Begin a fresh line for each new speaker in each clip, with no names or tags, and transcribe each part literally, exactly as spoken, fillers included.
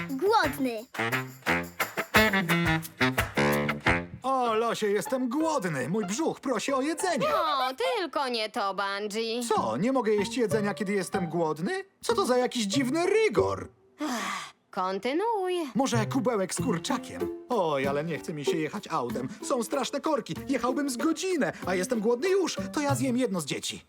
Głodny.
O, Losie, jestem głodny. Mój brzuch prosi o jedzenie.
O, tylko nie to, Bungie.
Co, nie mogę jeść jedzenia, kiedy jestem głodny? Co to za jakiś dziwny rygor?
Kontynuuj.
Może kubełek z kurczakiem? Oj, ale nie chce mi się jechać autem. Są straszne korki. Jechałbym z godzinę, a jestem głodny już. To ja zjem jedno z dzieci.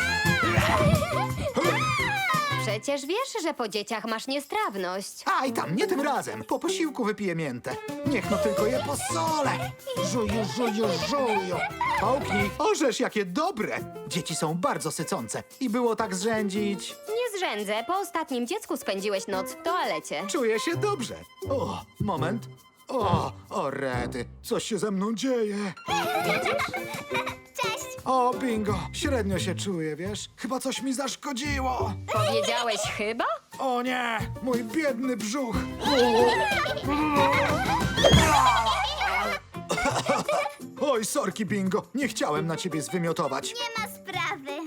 Przecież wiesz, że po dzieciach masz niestrawność.
Aj tam, nie tym razem. Po posiłku wypiję miętę. Niech no tylko je posolę. Żuju, żuju, żuju. Połknij. Orzesz, jakie dobre. Dzieci są bardzo sycące. I było tak zrzędzić.
Nie zrzędzę, po ostatnim dziecku spędziłeś noc w toalecie.
Czuję się dobrze. O, moment. O, o rety. Coś się ze mną dzieje.
Cześć.
O, bingo. Średnio się czuję, wiesz? Chyba coś mi zaszkodziło.
Powiedziałeś chyba?
O nie, mój biedny brzuch. Oj, sorki, bingo. Nie chciałem na ciebie zwymiotować.
Nie ma sprawy.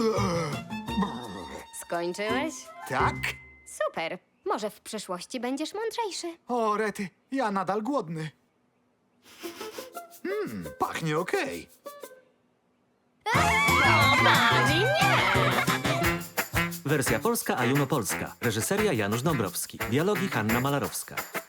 Skończyłeś?
Tak?
Super. Może w przyszłości będziesz mądrzejszy.
O, rety, ja nadal głodny. Hmm, pachnie okej.
Wersja polska Ajuno Polska. Reżyseria Janusz Dąbrowski. Dialogi Hanna Malarowska.